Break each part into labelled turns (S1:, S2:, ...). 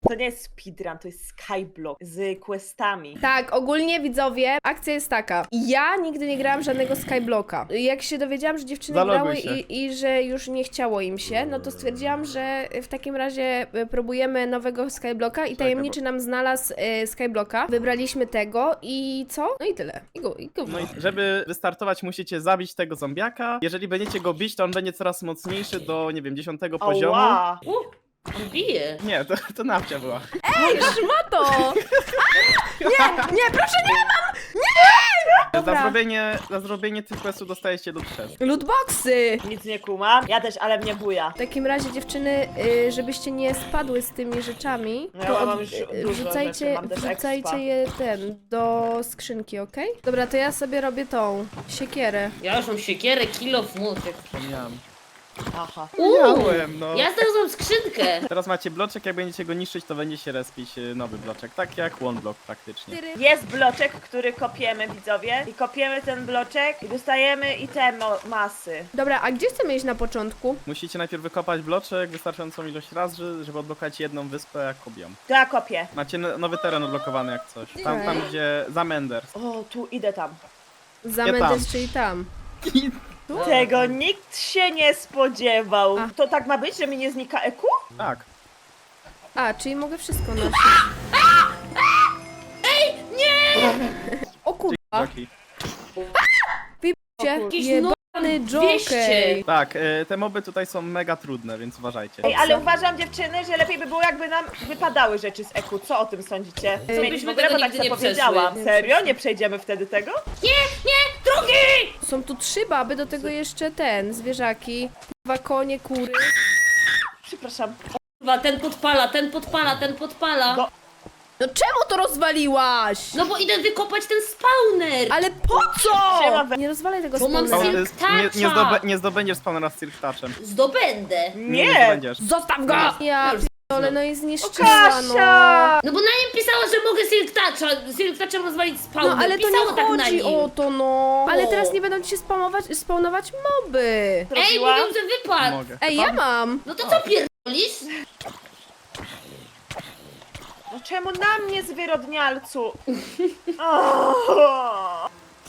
S1: To nie jest speedrun, to jest skyblock z questami.
S2: Tak, ogólnie widzowie, akcja jest taka. Ja nigdy nie grałam żadnego Skyblocka. Jak się dowiedziałam, że dziewczyny
S3: Zaloguj
S2: grały
S3: się.
S2: i że już nie chciało im się, no to stwierdziłam, że w takim razie próbujemy nowego Skyblocka i tajemniczy nam znalazł Skyblocka. Wybraliśmy tego i co? No i tyle. I go.
S3: No i żeby wystartować, musicie zabić tego zombiaka. Jeżeli będziecie go bić, to on będzie coraz mocniejszy do, nie wiem, 10 poziomu.
S1: Ała.
S4: On bije.
S3: Nie, to nawcia była.
S2: Ej, szmato! Nie, proszę nie! Dobra.
S3: Za zrobienie tych questów dostajecie do 3.
S2: Lootboxy!
S1: Nic nie kumam. Ja też, ale mnie buja.
S2: W takim razie dziewczyny, żebyście nie spadły z tymi rzeczami,
S1: No ja
S2: to
S1: mam już dużo rzeczy, mam też expa.
S2: wrzucajcie je do skrzynki, okej? Dobra, to ja sobie robię tą siekierę.
S4: Ja już mam siekierę, kilof, młotek.
S3: Miałem.
S1: Aha.
S3: Miałem, no.
S4: Ja znalazłam skrzynkę.
S3: Teraz macie bloczek, jak będziecie go niszczyć, to będzie się respić nowy bloczek. Tak jak one block praktycznie.
S1: Jest bloczek, który kopiemy, widzowie. I kopiemy ten bloczek i dostajemy i te masy.
S2: Dobra, a gdzie chcemy iść na początku?
S3: Musicie najpierw wykopać bloczek wystarczającą ilość razy, żeby odblokować jedną wyspę jak obią.
S1: To ja kopię.
S3: Macie nowy teren odblokowany jak coś. Tam gdzie za Menders.
S1: O, tu idę tam.
S2: Za
S3: Ja tam.
S2: Mendes, czyli tam.
S1: Tego nikt się nie spodziewał.
S2: A.
S1: To tak ma być, że mi nie znika EQ?
S3: Tak.
S2: A, czyli mogę wszystko nosić. O kurwa,
S3: Taki.
S4: Jakiś
S2: jebany Joker.
S4: 200.
S3: Tak, te moby tutaj są mega trudne, więc uważajcie.
S1: Ej, ale uważam, dziewczyny, że lepiej by było, jakby nam wypadały rzeczy z EQ. Co o tym sądzicie?
S4: byśmy
S1: Zmienić w ogóle,
S4: tego
S1: bo tak
S4: nigdy
S1: sobie
S4: nie
S1: powiedziałam.
S4: przeszły.
S1: Serio? Nie przejdziemy wtedy tego?
S4: Drugi!
S2: Są tu 3 baby, do tego jeszcze zwierzaki. Dwa konie, kury.
S1: Przepraszam.
S4: Kurwa, ten podpala.
S1: No.
S2: No czemu to rozwaliłaś?
S4: No bo idę wykopać ten spawner.
S2: Ale po co?
S1: Siema, we-
S2: Nie rozwalaj tego
S4: Bo mam
S2: spawnera.
S3: Nie zdobędziesz spawnera z Silk Touchem.
S4: Zdobędę.
S3: Nie
S1: Nie!
S3: zdobędziesz.
S2: Zostaw go! Ja ale no i zniszczyła, no.
S1: Kasia!
S4: No bo na nim pisała, że mogę Silk Touchem rozwalić spawner.
S2: No ale to
S4: Pisało
S2: nie
S4: tak na
S2: chodzi
S4: nim.
S2: o to, no. Ale teraz nie będą ci się spawnować moby.
S4: Ej,
S1: Zrobiłam?
S4: mówią, że wypadł.
S3: Mogę.
S2: Ej, ja mam.
S4: No to co pierdolisz?
S1: No czemu na mnie, zwyrodnialcu? O!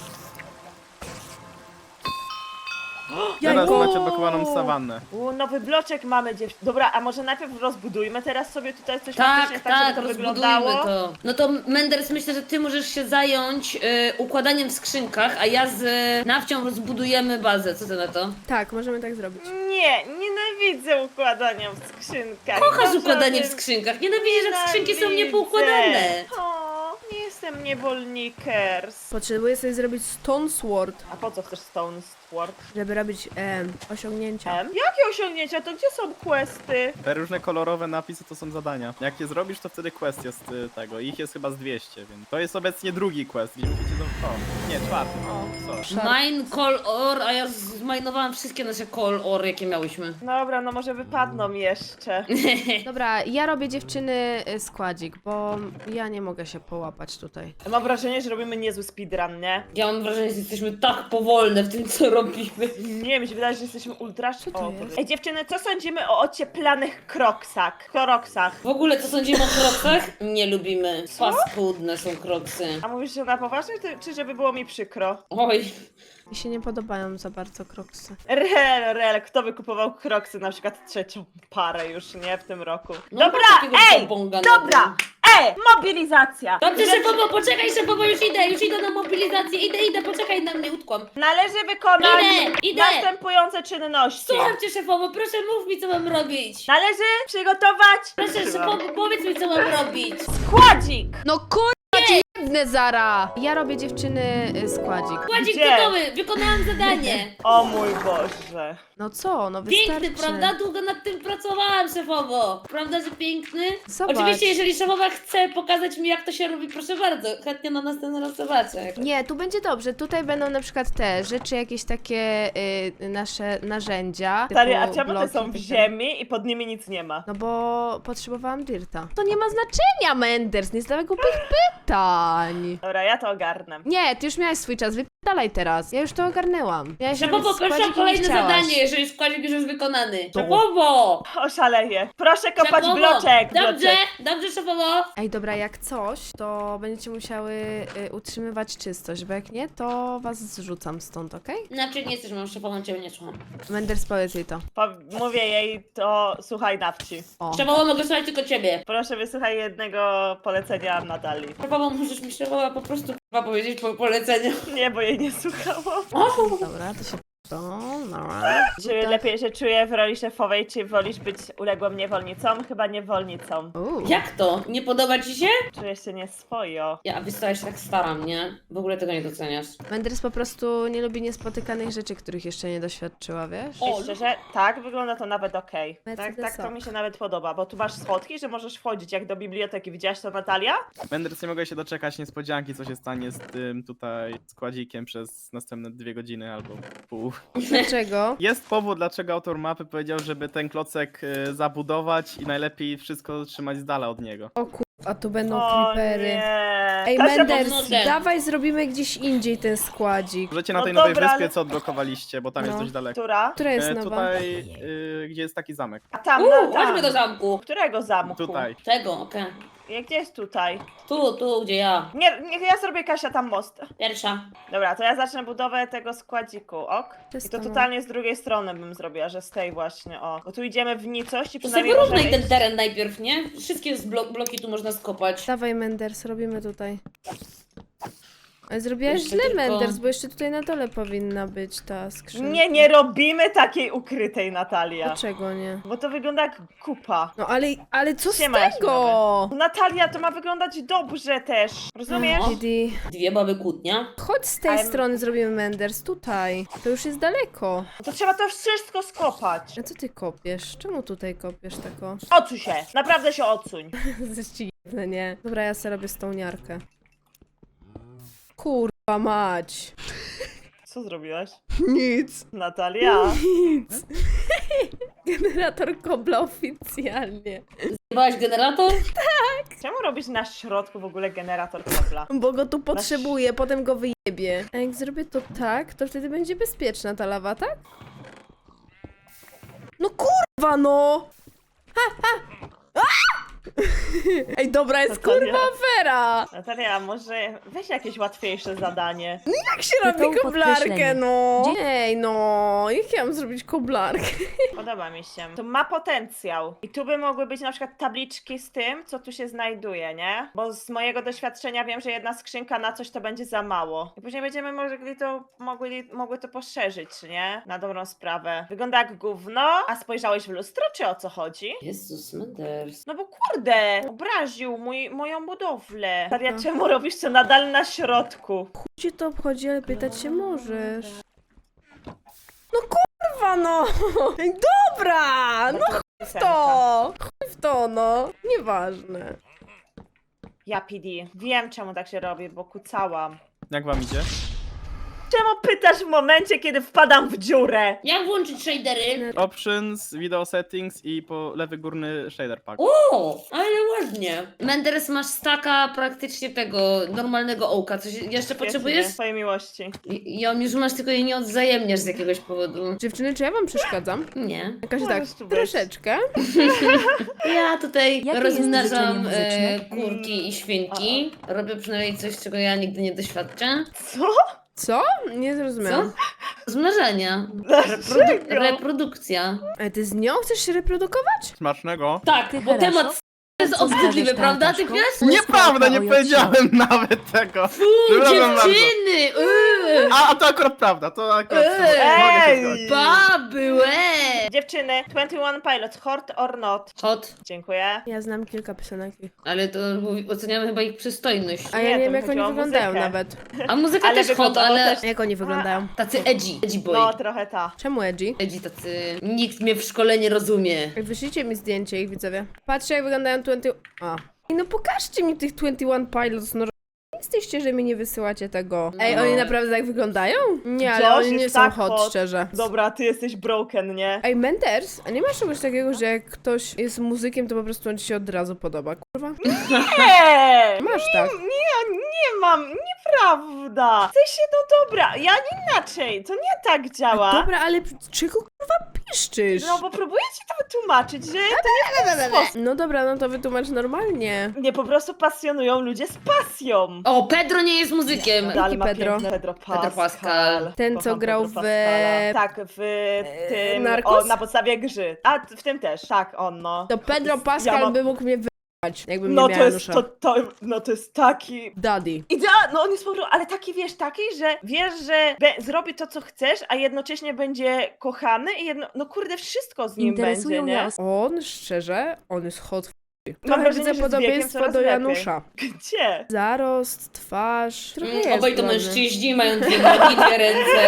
S3: Teraz
S2: Jajko.
S3: macie odblokowaną sawannę.
S1: Nowy bloczek mamy, Dobra, a może najpierw rozbudujmy teraz sobie tutaj coś
S4: Tak,
S1: faktycznie
S4: tak,
S1: żeby to
S4: rozbudujmy
S1: wyglądało?
S4: to. No to Menders, myślę, że ty możesz się zająć układaniem w skrzynkach, a ja z Nawcią rozbudujemy bazę. Co ty na to?
S2: Tak, możemy tak zrobić.
S1: Nie, nienawidzę układania w skrzynkach.
S4: Kochasz
S1: Uważam,
S4: układanie w
S1: że-
S4: skrzynkach. Nienawidzę, że skrzynki są niepoukładane.
S1: O, nie jestem niewolnikers.
S2: Potrzebuję sobie zrobić Stone Sword,
S1: A po co chcesz Stone Sword?
S2: żeby robić osiągnięcia.
S1: Jakie osiągnięcia? To gdzie są questy?
S3: Te różne kolorowe napisy to są zadania. Jak je zrobisz, to wtedy quest jest tego. Ich jest chyba z 200, więc to jest obecnie drugi quest, gdzie musicie do... O, nie, czwarty. O, sorry.
S4: Mine call or, a ja zmajnowałam wszystkie nasze call or, jakie miałyśmy.
S1: Dobra, no może wypadną jeszcze.
S2: Dobra, ja robię dziewczyny składzik, bo ja nie mogę się połapać tutaj.
S1: Mam wrażenie, że robimy niezły speedrun, nie?
S4: Ja mam wrażenie, że jesteśmy tak powolne w tym, co robimy.
S1: Nie, mi się wydaje, że jesteśmy ultra...
S2: Co to
S1: O,
S2: jest?
S1: Ej, dziewczyny, co sądzimy o ocieplanych kroksach?
S4: W ogóle, co sądzimy o kroksach? Nie lubimy. Paskudne są kroksy.
S1: A mówisz, że na poważnie, czy żeby było mi przykro?
S4: Oj.
S2: Mi się nie podobają za bardzo kroksy.
S1: Rel, kto by kupował kroksy na przykład trzecią parę już, nie? W tym roku.
S4: No,
S1: Dobra,
S4: masz takiego
S1: ej!
S4: babonga na
S1: Dobra!
S4: tym.
S1: Mobilizacja!
S4: Dobrze, szefowo, poczekaj, szefowo, już idę na mobilizację, idę, poczekaj na mnie, utkłam.
S1: Należy wykonać
S4: Idę.
S1: następujące czynności.
S4: Słucham cię, szefowo, proszę mów mi, co mam robić.
S1: Należy przygotować
S4: Proszę, szefowo, powiedz mi, co mam robić.
S1: składzik!
S2: No kurwa ci jedne zara! Ja robię dziewczyny składzik.
S4: Kładzik
S1: Gdzie?
S4: gotowy, wykonałam zadanie.
S1: O mój Boże.
S2: No co, no wystarczy.
S4: Piękny, prawda? Długo nad tym pracowałam, szefowo. Prawda, że piękny?
S2: Zobacz.
S4: Oczywiście, jeżeli szefowa chce pokazać mi, jak to się robi, proszę bardzo. Chętnie na następny raz zobaczę.
S2: Nie, tu będzie dobrze. Tutaj będą na przykład te rzeczy, jakieś takie nasze narzędzia.
S1: Stary, a
S2: typu
S1: czemu te
S2: bloki
S1: są
S2: i
S1: w
S2: tak
S1: ziemi i pod nimi nic nie ma?
S2: No bo potrzebowałam dirta. To nie ma znaczenia, Menders, nie zadawaj głupich pytań.
S1: Dobra, ja to ogarnę.
S2: Nie, ty już miałeś swój czas, dalej teraz. Ja już to ogarnęłam. Ja jeszcze
S4: Szefowo,
S2: nawet
S4: proszę o
S2: składzik
S4: kolejne
S2: nie chciałaś.
S4: zadanie, jeżeli składzik już jest wykonany. Szefowo!
S1: Oszaleję. Proszę kopać
S4: Szefowo!
S1: bloczek.
S4: Dobrze, dobrze, szefowo!
S2: Ej, dobra, jak coś, to będziecie musiały utrzymywać czystość, bo jak nie, to was zrzucam stąd, okej?
S4: Znaczy nie jesteś moją szefową, ciebie nie słucham.
S2: Menders, powiedz jej to.
S1: Mówię jej to, słuchaj na wsi.
S2: O.
S4: Szefowo, mogę słuchać tylko ciebie.
S1: Proszę wysłuchaj jednego polecenia Natalii.
S4: Szefowo, możesz mi szefowa po prostu k***a powiedzieć po poleceniu.
S1: Nie, bo jej nie słuchałam.
S2: Dobra, to się... Dobra.
S1: Czy lepiej się czuję w roli szefowej, czy wolisz być uległą niewolnicą? Chyba niewolnicą.
S4: Jak to? Nie podoba ci się?
S1: Czuję się nieswojo.
S4: Ja, wiesz co, ja się tak staram, nie? W ogóle tego nie doceniasz.
S2: Menders po prostu nie lubi niespotykanych rzeczy, których jeszcze nie doświadczyła, wiesz?
S4: O,
S1: I szczerze, tak, wygląda to nawet okej. Tak,
S2: Mercedesowo.
S1: tak to mi się nawet podoba, bo tu masz schodki, że możesz wchodzić jak do biblioteki. Widziałaś to, Natalia?
S3: Menders, nie mogę się doczekać niespodzianki, co się stanie z tym tutaj składzikiem przez następne 2 godziny albo pół.
S2: Dlaczego?
S3: Jest powód, dlaczego autor mapy powiedział, żeby ten klocek zabudować i najlepiej wszystko trzymać z dala od niego.
S2: O a tu będą
S1: O
S2: creepery.
S1: nie.
S2: Ej,
S1: Kasia,
S2: Menders,
S4: pomogę.
S2: dawaj zrobimy gdzieś indziej ten składzik.
S3: Możecie na
S1: No
S3: tej nowej
S1: dobra,
S3: wyspie,
S1: ale-
S3: co odblokowaliście, bo tam jest
S2: No.
S3: dość daleko.
S1: Która?
S2: Która jest nowa?
S3: Tutaj, gdzie jest taki zamek.
S1: A tam,
S4: chodźmy do zamku.
S1: Którego zamku?
S3: Tutaj.
S4: Tego, okej.
S1: Gdzie jest tutaj?
S4: Tu, gdzie ja.
S1: Nie, ja zrobię, Kasia, tam most.
S4: Pierwsza.
S1: Dobra, to ja zacznę budowę tego składziku, ok? I to
S2: Testowo.
S1: totalnie z drugiej strony bym zrobiła, że z tej właśnie, o. Bo tu idziemy w nicość i
S4: To sobie
S1: przynajmniej
S4: wyrównaj
S1: możemy
S4: ten teren najpierw, nie? Wszystkie bloki tu można skopać.
S2: Dawaj, Menders, robimy tutaj. Ale zrobiłaś
S4: Jeszcze
S2: źle,
S4: tylko-
S2: Menders, bo jeszcze tutaj na dole powinna być ta skrzynka.
S1: Nie robimy takiej ukrytej, Natalia.
S2: Dlaczego nie?
S1: Bo to wygląda jak kupa.
S2: No ale co z
S1: Siema,
S2: tego?
S1: Natalia, to ma wyglądać dobrze też. Rozumiesz?
S4: No.
S2: Didi,
S4: Dwie baby kłótnia.
S2: chodź z tej
S1: Ale-
S2: strony zrobimy Menders, tutaj. To już jest daleko.
S1: To trzeba to wszystko skopać.
S2: A co ty kopiesz? Czemu tutaj kopiesz tako?
S1: Odsuń się, naprawdę się odsuń.
S2: Zaścignę, nie? Dobra, ja sobie robię stołniarkę. Kurwa mać.
S1: Co zrobiłaś?
S2: Nic.
S1: Natalia?
S2: Nic. Generator kobla oficjalnie.
S4: Zjebałaś generator?
S1: Czemu robisz na środku w ogóle generator kropla?
S2: Bo go tu potrzebuję, potem go wyjebie. A jak zrobię to tak, to wtedy będzie bezpieczna ta lawa, tak? No kurwa no! Ha, ha. A! Ej, dobra jest
S1: Natalia.
S2: kurwa afera!
S1: Natalia, może weź jakieś łatwiejsze zadanie.
S2: Jak się robi
S5: Tytuł
S2: koblarkę,
S5: podkreślenie.
S2: no? Ej, no, jak ja mam zrobić koblarkę?
S1: Podoba mi się. To ma potencjał. I tu by mogły być na przykład tabliczki z tym, co tu się znajduje, nie? Bo z mojego doświadczenia wiem, że jedna skrzynka na coś to będzie za mało. I później będziemy mogły to poszerzyć, nie? Na dobrą sprawę. Wygląda jak gówno, a spojrzałeś w lustro, czy o co chodzi?
S4: Jezus, Menders.
S1: No bo kurde, obraził moją budowlę. Natalia, czemu robisz to nadal na środku?
S2: Cię to obchodzi, ale pytać się możesz. No kurwa, no! Ej, dobra! No chuj w to, no! Nieważne.
S1: Ja PD. Wiem, czemu tak się robi, bo kucałam.
S3: Jak wam idzie?
S1: Czemu pytasz w momencie, kiedy wpadam w dziurę?
S4: Jak włączyć shadery?
S3: Options, video settings i po lewy górny shader pack.
S4: O, ale ładnie. Menders, masz staka praktycznie tego normalnego ołka. Coś jeszcze potrzebujesz?
S1: Swojej miłości.
S4: Ja już masz, tylko jej nie odzajemniasz z jakiegoś powodu.
S2: Dziewczyny, czy ja wam przeszkadzam?
S4: Nie.
S2: Jakaś tak,
S1: Możesz tu być.
S2: troszeczkę.
S4: Ja tutaj
S5: Jakie
S4: rozmnażam
S5: jest życzenie muzyczne?
S4: kurki i świnki. Robię przynajmniej coś, czego ja nigdy nie doświadczę.
S1: Co?
S2: Co? Nie
S4: Co?
S2: zrozumiałam.
S4: Rozmnażania.
S1: Dlaczego?
S4: Reprodukcja.
S2: Ale ty z nią chcesz się reprodukować?
S3: Smacznego.
S4: Tak,
S5: Ty,
S4: bo
S5: Haraszo?
S4: temat jest
S5: Co
S4: obrzydliwy,
S5: zgadzasz,
S4: prawda,
S5: Tartaszko?
S4: typiarz?
S3: Nieprawda, nie powiedziałem nawet tego. Przepraszam bardzo.
S4: Dziewczyny!
S3: A to akurat prawda, to akurat mogę się
S1: Ej!
S3: zgodzić.
S4: Baby, łe!
S1: Dziewczyny, 21 Pilots, hot or not?
S4: Hot,
S1: Dziękuję.
S2: Ja znam kilka piosenek.
S4: ale to oceniamy chyba ich przystojność.
S2: A ja
S1: Nie,
S2: nie
S1: to
S2: wiem, jak
S1: chodzi
S2: oni
S1: o
S2: wyglądają
S1: muzykę.
S2: nawet.
S4: A muzyka
S1: Ale
S4: też hot,
S1: wyglądało
S4: ale
S1: też-
S2: Jak oni wyglądają?
S4: tacy edgy boy.
S1: No, trochę ta.
S2: Czemu edgy?
S4: Edgy tacy, nikt mnie w szkole nie rozumie.
S2: Ej, wyślijcie mi zdjęcie ich, widzowie. Patrzcie, jak wyglądają 20... A. Ej, no pokażcie mi tych 21 Pilots, no. Jesteś Oczywiście, że mi nie wysyłacie tego. Ej,
S4: No.
S2: oni naprawdę tak wyglądają? Nie, ale
S1: Josh
S2: oni nie
S1: jest
S2: są
S1: tak
S2: hot,
S1: hot.
S2: szczerze.
S1: Dobra, ty jesteś broken, nie?
S2: Ej, Menders, a nie masz czegoś takiego, że jak ktoś jest muzykiem, to po prostu on ci się od razu podoba, kurwa?
S1: Nie!
S2: Masz tak.
S1: Nie mam, nieprawda. W sensie, no dobra, ja inaczej, to nie tak działa.
S2: Dobra, ale czego kurwa piszczysz?
S1: No bo próbuję ci to wytłumaczyć, że to nie w ten sposób.
S2: No dobra, no to wytłumacz normalnie.
S1: Nie, po prostu pasjonują ludzie z pasją.
S4: O, Pedro nie jest muzykiem.
S1: Ale ma
S2: Pedro?
S1: piękny Pedro Pascal.
S4: Pascal.
S2: Ten, co
S1: Kocham
S2: grał
S1: Pedro
S2: w-
S1: Pascala. Tak, w tym,
S2: Narcos?
S1: na podstawie gry. A, w tym też, tak, on, no.
S2: To Pedro
S1: Ja
S2: Pascal
S1: mam-
S2: by mógł mnie wyjechać, jakbym
S1: No
S2: nie
S1: to
S2: miała
S1: jest,
S2: Janusza.
S1: no to jest taki...
S2: Daddy.
S1: No on jest po prostu, ale taki że wiesz, że zrobi to, co chcesz, a jednocześnie będzie kochany i no kurde, wszystko z nim będzie, nie?
S2: On, szczerze, on jest hot.
S1: Mam
S2: Trochę
S1: wrażenie,
S2: widzę
S1: że z wiekiem
S2: podobieństwo
S1: coraz
S2: do
S1: lepiej.
S2: Janusza.
S1: Gdzie?
S2: Zarost, twarz, trochę jest
S4: Obaj to
S2: ładny.
S4: mężczyźni, mają dwie nogi, dwie ręce.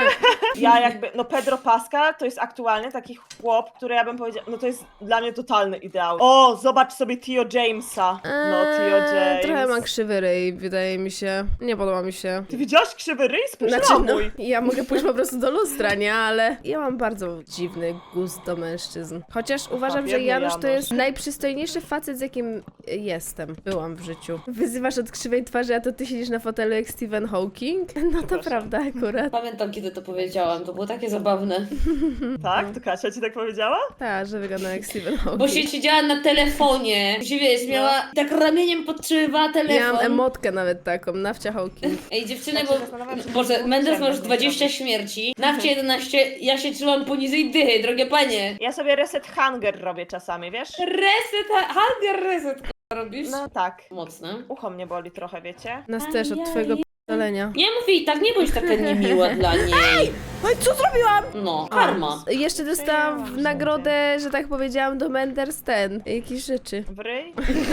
S1: Ja jakby, no Pedro Pascal to jest aktualnie taki chłop, który ja bym powiedziała, no to jest dla mnie totalny ideał. O, zobacz sobie Tio Jamesa. No, Tio James.
S2: Trochę ma krzywy ryj, wydaje mi się. Nie podoba mi się.
S1: Ty widziałaś krzywy ryj? Spójrz
S2: Znaczy,
S1: na
S2: no,
S1: mój.
S2: ja mogę pójść po prostu do lustra, nie? Ale ja mam bardzo dziwny gust do mężczyzn. Chociaż uważam, że
S1: biedny
S2: Janusz to
S1: Janusz.
S2: jest najprzystojniejszy facet, z jakim jestem. Byłam w życiu. Wyzywasz od krzywej twarzy, a to ty siedzisz na fotelu jak Stephen Hawking? No to prawda akurat.
S4: Pamiętam, kiedy to powiedziałam, to było takie zabawne.
S1: Tak? To Kasia ci tak powiedziała?
S2: Tak, że wygląda jak Stephen Hawking.
S4: Bo się siedziała na telefonie, gdzie wiesz, miała tak ramieniem podtrzymywała telefon.
S2: Miałam emotkę nawet taką, nawcia Hawking.
S4: Ej dziewczyny,
S1: Tak się zastanawiam, czy
S4: Boże,
S1: to
S4: Mendes ma już
S1: było
S4: 20 śmierci, Nawcie 11, ja się trzymam poniżej dychy, drogie panie.
S1: Ja sobie reset hunger robię czasami, wiesz?
S4: Reset, hunger reset, k***a, robisz?
S1: No tak.
S4: Mocne.
S1: Ucho mnie boli trochę, wiecie?
S2: Nas też od twojego p***dolenia.
S4: Nie mów jej tak, nie bądź taka niemiła dla niej.
S2: Oj, co zrobiłam?
S4: No, karma.
S2: Jeszcze dostałam w nagrodę, że tak powiedziałam, do Menders jakieś rzeczy.
S1: W ryj?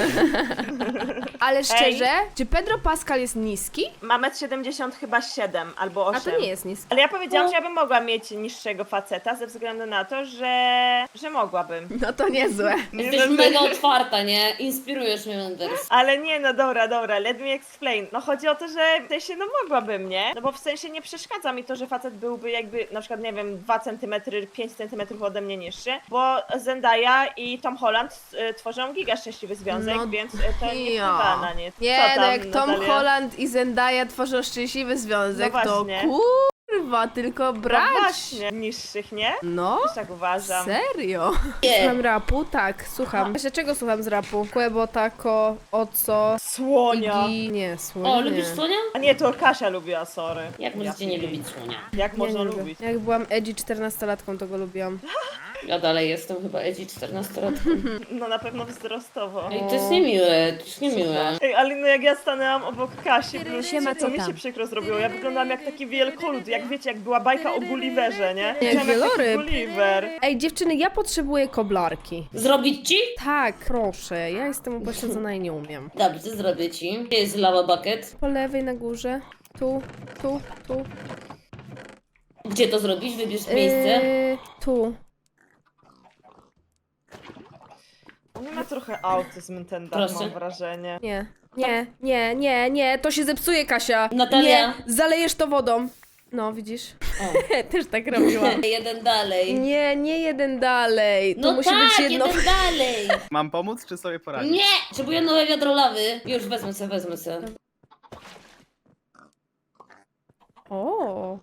S2: Ale szczerze, czy Pedro Pascal jest niski?
S1: Ma 1,77 m chyba 7 albo 8.
S2: A to nie jest niski.
S1: Ale ja powiedziałam, że ja bym mogła mieć niższego faceta ze względu na to, że mogłabym.
S2: No to niezłe.
S4: Jesteś mega otwarta, nie? Inspirujesz mnie, Mendes.
S1: Ale nie, no dobra, let me explain. No chodzi o to, że w sensie, no mogłabym, nie? No bo w sensie nie przeszkadza mi to, że facet byłby jakby, na przykład, nie wiem, 2 cm, 5 cm ode mnie niższy, bo Zendaya i Tom Holland tworzą giga szczęśliwy związek,
S2: No,
S1: więc to nie
S2: ja.
S1: wpływa na nie.
S2: Nie,
S1: Co
S2: no
S1: tam,
S2: jak Tom
S1: Natalia?
S2: Holland i Zendaya tworzą szczęśliwy związek,
S1: No
S2: to
S1: właśnie.
S2: kurwa, tylko
S1: No
S2: brać.
S1: właśnie, niższych, nie?
S2: No,
S1: Też tak uważam.
S2: serio?
S4: Nie.
S2: Słucham rapu? Tak, słucham. Właśnie czego słucham z rapu? Quebo, Taco, Oco,
S1: Słonia.
S2: Iggy... Nie, Słonia
S4: O,
S2: nie.
S4: lubisz słonia?
S1: A nie, to Kasia lubiła, sorry.
S4: Jak możecie nie lubić słonia?
S1: Jak
S2: Nie,
S1: można
S2: nie lubię.
S1: lubić?
S2: Jak byłam edgy 14-latką, to go lubiłam.
S4: Ja dalej jestem chyba edgy 14-latką.
S1: No na pewno wzrostowo.
S4: Ej, to jest niemiłe, to jest niemiłe.
S1: Ej, ale no jak ja stanęłam obok Kasi,
S2: Siema, co
S1: to mi się
S2: tam?
S1: przykro zrobiło. Ja wyglądałam jak taki wielkolud, jak wiecie, jak była bajka o Gulliverze, nie?
S2: Jak
S1: Wyglądałam taki
S2: wieloryb.
S1: Gulliver.
S2: Ej, dziewczyny, ja potrzebuję koblarki.
S4: Zrobić ci?
S2: Tak, proszę, ja jestem upośledzona i nie umiem.
S4: Dobrze, zrobię ci. Gdzie jest lava bucket?
S2: Po lewej na górze. Tu, tu, tu.
S4: Gdzie to zrobić? Wybierz miejsce.
S2: Tu.
S1: On ma trochę autyzm ten dach,
S4: Proszę.
S1: mam wrażenie.
S2: Nie. Nie, nie, nie, nie, to się zepsuje, Kasia.
S4: Natalia.
S2: Nie, zalejesz to wodą. No, widzisz?
S4: O.
S2: Też tak robiłam.
S4: Jeden dalej.
S2: Nie, nie jeden dalej. To
S4: No
S2: musi
S4: tak,
S2: być jedno.
S4: jeden dalej.
S3: Mam pomóc, czy sobie poradzić?
S4: Nie! Potrzebuję nowe wiadro lawy. Już wezmę se, wezmę se.
S2: O.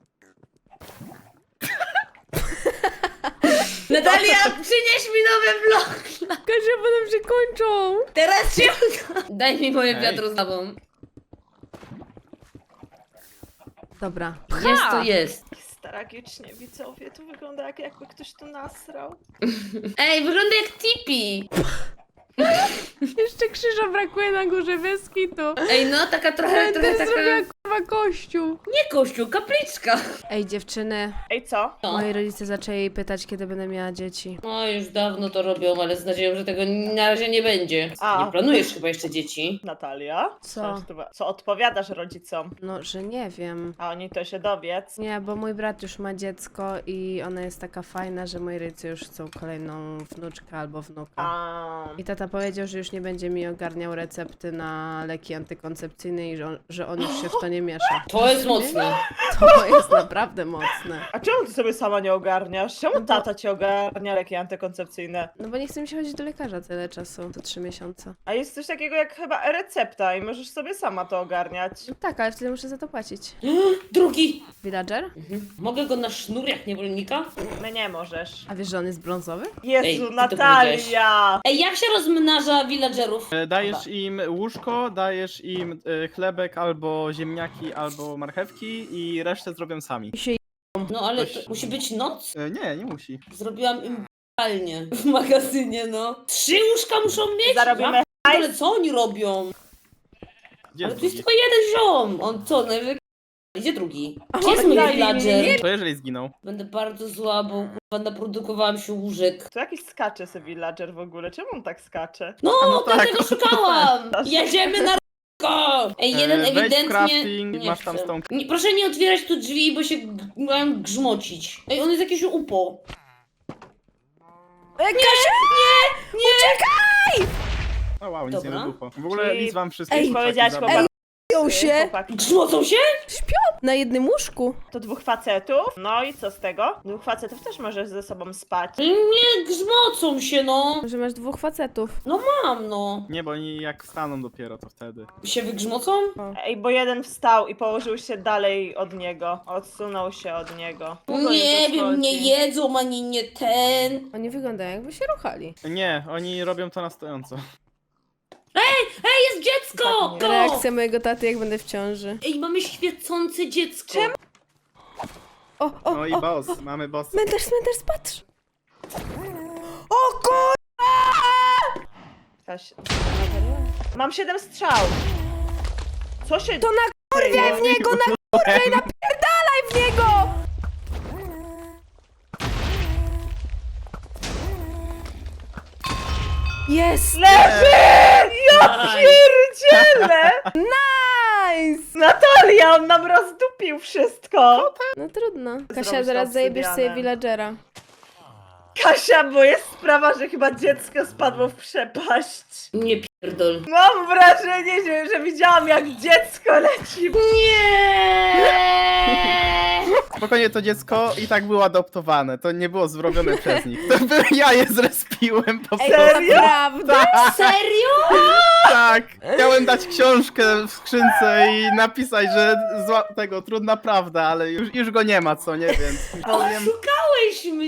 S4: Natalia, przynieś mi nowe bloki.
S2: Kasia, potem się kończą.
S4: Teraz się uda. Daj mi moje
S3: Ej.
S4: wiadro z lawą.
S2: Dobra.
S4: Jest to jest.
S1: Tragicznie, widzowie, to wygląda jakby ktoś tu nasrał.
S4: Ej, wygląda jak Tipi.
S2: Jeszcze krzyża brakuje na górze, bez kitu.
S4: Ej, no taka trochę
S2: Też
S4: taka...
S2: zrobiła kurwa kościół.
S4: Nie kościół, kapliczka.
S2: Ej, dziewczyny,
S1: Ej, co?
S4: No.
S2: moi rodzice zaczęli pytać, kiedy będę miała dzieci.
S4: No już dawno to robią, ale z nadzieją, że tego na razie nie będzie.
S1: A.
S4: Nie planujesz chyba jeszcze dzieci.
S1: Natalia?
S2: Co?
S1: Co odpowiadasz rodzicom?
S2: No, że nie wiem.
S1: A oni to się dowiedz.
S2: Nie, bo mój brat już ma dziecko i ona jest taka fajna, że moi rodzice już chcą kolejną wnuczkę albo wnuka.
S1: A.
S2: I ta Tata powiedział, że już nie będzie mi ogarniał recepty na leki antykoncepcyjne i że on już się w to nie miesza.
S4: To jest mocne.
S2: To jest naprawdę mocne.
S1: A czemu ty sobie sama nie ogarniasz? Czemu tata ci ogarnia leki antykoncepcyjne?
S2: No bo nie chce mi się chodzić do lekarza tyle czasu, to 3 miesiące.
S1: A jest coś takiego jak chyba e-recepta i możesz sobie sama to ogarniać.
S2: No tak, ale wtedy muszę za to płacić.
S4: Drugi.
S2: Villager?
S4: Mogę go na sznur jak niewolnika?
S1: My nie możesz.
S2: A wiesz, że on jest brązowy?
S1: Jezu,
S4: Ej, ty to
S1: Natalia!
S4: Ej, jak się rozmnaża villagerów?
S3: Dajesz im łóżko, dajesz im chlebek albo ziemniaki, albo marchewki i resztę zrobią sami.
S4: No ale to musi być noc?
S3: Nie musi.
S4: Zrobiłam im palnie w magazynie, no. 3 łóżka muszą mieć?
S1: Zarobimy
S4: Ja ale co oni robią?
S3: Gdzie
S4: Ale
S3: jest
S4: tu jest
S3: drugi?
S4: tylko jeden ziom. On co, najwyżej... Gdzie drugi?
S2: A
S4: Gdzie jest
S2: on
S4: mój
S2: daje
S4: villager?
S3: To jeżeli zginął.
S4: Będę bardzo zła, bo kurwa naprodukowałam się łóżek.
S1: To jakiś skacze sobie villager w ogóle. Czemu on tak skacze?
S4: No,
S3: no tak.
S4: dlatego szukałam! Jedziemy na r***ko! Ej, jeden
S3: Wejdź w
S4: ewidentnie...
S3: crafting, masz tam
S4: chcę.
S3: z tą-
S4: Nie, proszę nie otwierać tu drzwi, bo się mają grzmocić. Ej, on jest jakiś upo.
S2: Kasia! Nie! Uciekaj!
S3: O wow, nic nie
S4: Dobra.
S3: wybuchło. W ogóle
S1: Czyli-
S3: nic wam wszystkich
S2: Ej,
S3: chłopaki
S1: powiedziałaś
S3: zabrał.
S1: chłopak-
S2: Ją się!
S1: Chłopaki.
S4: Grzmocą się?
S2: Śpią na jednym łóżku.
S1: To 2 facetów. No i co z tego? 2 facetów też możesz ze sobą spać.
S4: Nie, grzmocą się, no.
S2: Że masz 2 facetów.
S4: No mam, no.
S3: Nie, bo oni jak wstaną dopiero, to wtedy.
S4: Się wygrzmocą?
S1: Ej, bo jeden wstał i położył się dalej od niego. Odsunął się od niego. Długo
S4: Nie
S1: to
S4: wiem, nie
S1: schodzi.
S4: jedzą, ani nie ten.
S2: Oni wyglądają jakby się ruchali.
S3: Nie, oni robią to na stojąco.
S4: Ej, jest dziecko!
S1: Tak,
S4: Go!
S2: Reakcja mojego taty, jak będę w ciąży.
S4: Ej, mamy świecące dziecko.
S1: Czemu?
S2: O,
S3: No i
S2: o,
S3: boss, mamy boss.
S2: Cmentarz, patrz! O kur...
S1: Kaś... Mam 7 strzał. Co się
S2: To na
S1: dzieje?
S2: w niego, na kurwę i napierdalaj w niego! Jest!
S1: Leży! Ja pierdzielę!
S2: Nice!
S1: Natalia, on nam rozdupił wszystko.
S2: No trudno. Kasia,
S1: Zrobić
S2: zaraz
S1: to
S2: zajebiesz sobie
S1: obsydianem.
S2: villagera.
S1: Kasia, bo jest sprawa, że chyba dziecko spadło w przepaść.
S4: Nie pierdol.
S1: Mam wrażenie, że widziałam jak dziecko leci.
S4: Nie!
S3: Spokojnie, to dziecko i tak było adoptowane. To nie było zrobione przez nich. To ja je zrespiłem po
S2: Ej,
S3: prostu.
S2: naprawdę?
S4: Serio?
S3: Tak, chciałem dać książkę w skrzynce i napisać, że tego trudna prawda, ale już go nie ma, co nie, więc powiem.
S4: Oszukałeś mnie!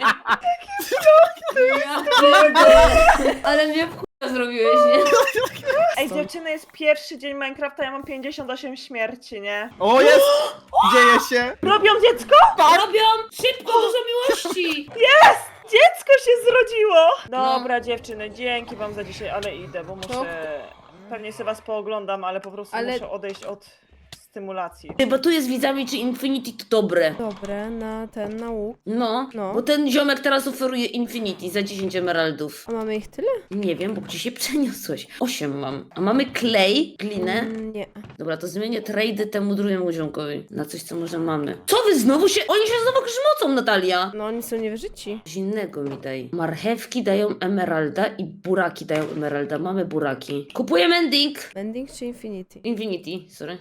S4: Ja pierdolę. Ale mnie w chuja zrobiłeś, nie?
S1: Ej, dziewczyny, jest pierwszy dzień Minecrafta, ja mam 58 śmierci, nie?
S3: O, jest! Dzieje się!
S1: Robią dziecko?
S4: Robią! Szybko, dużo miłości!
S1: Dziecko się zrodziło! Dobra, dziewczyny, dzięki wam za dzisiaj, ale idę, bo muszę... Pewnie sobie was pooglądam, ale po prostu
S2: Ale-
S1: muszę odejść od stymulacji.
S4: Chyba tu jest widzami, czy Infinity to dobre.
S2: Dobre, na łuk.
S4: No,
S2: No.
S4: bo ten ziomek teraz oferuje Infinity za 10 emeraldów.
S2: A mamy ich tyle?
S4: Nie wiem, bo gdzie się przeniosłeś? 8 mam. A mamy klej, glinę.
S2: Nie.
S4: Dobra, to zmienię trade temu drugiemu ziomkowi. Na coś, co może mamy. Co wy znowu się... Oni się znowu grzmocą, Natalia!
S2: No oni są niewyżyci.
S4: Coś innego mi daj. Marchewki dają emeralda i buraki dają emeralda. Mamy buraki. Kupujemy ending!
S2: Ending czy Infinity?
S4: Infinity, sorry.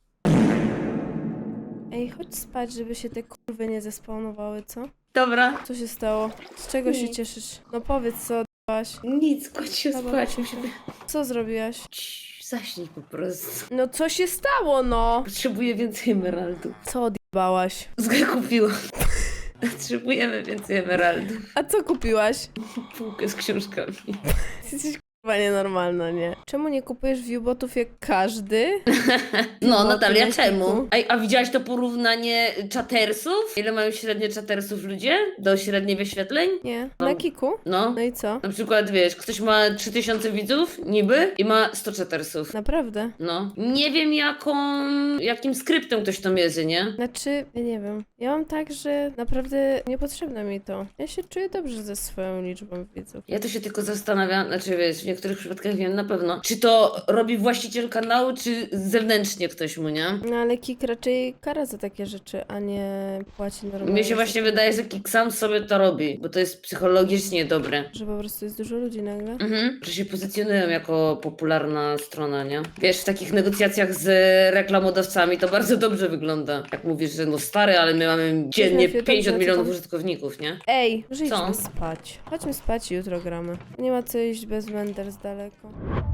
S2: Ej, chodź spać, żeby się te kurwy nie zespawnowały, co?
S4: Dobra.
S2: Co się stało? Z czego się
S4: Nic.
S2: cieszysz? No powiedz, co odbyłaś?
S4: Nic, chodź się
S2: Dobra,
S4: spać.
S2: chodź. Co zrobiłaś?
S4: Cii, zaśnij po prostu.
S2: No co się stało, no?
S4: Potrzebuję więcej emeraldów.
S2: Co odjebałaś?
S4: Zgę kupiłam. Potrzebujemy więcej emeraldów.
S2: A co kupiłaś?
S4: Półkę z książkami.
S2: Jesteś kurwa nienormalna, nie? Czemu nie kupujesz viewbotów jak każdy?
S4: No,
S2: No,
S4: Natalia,
S2: to
S4: czemu? A widziałaś to porównanie czatersów? Ile mają średnie czatersów ludzie? Do średniej wyświetleń?
S2: Nie.
S4: No.
S2: Na kiku?
S4: No.
S2: No i co?
S4: Na przykład, wiesz, ktoś ma 3000 widzów, niby, i ma 100 czatersów.
S2: Naprawdę?
S4: No. Nie wiem jakim skryptem ktoś to mierzy, nie?
S2: Znaczy, ja nie wiem. Ja mam tak, że naprawdę niepotrzebne mi to. Ja się czuję dobrze ze swoją liczbą widzów.
S4: Ja to się tylko zastanawiam, znaczy wiesz, niektórych przypadkach wiem na pewno. Czy to robi właściciel kanału, czy zewnętrznie ktoś mu, nie?
S2: No ale Kik raczej kara za takie rzeczy, a nie płaci normalnie.
S4: Mnie się właśnie wydaje, że Kik sam sobie to robi, bo to jest psychologicznie dobre.
S2: Że po prostu jest dużo ludzi nagle.
S4: Że się pozycjonują jako popularna strona, nie? Wiesz, w takich negocjacjach z reklamodawcami to bardzo dobrze wygląda. Jak mówisz, że no stary, ale my mamy dziennie
S2: Fiu,
S4: 50
S2: co
S4: milionów
S2: tam?
S4: użytkowników, nie?
S2: Ej, może
S4: Co?
S2: idźmy spać. Chodźmy spać i jutro gramy. Nie ma co iść bez Wender z daleko.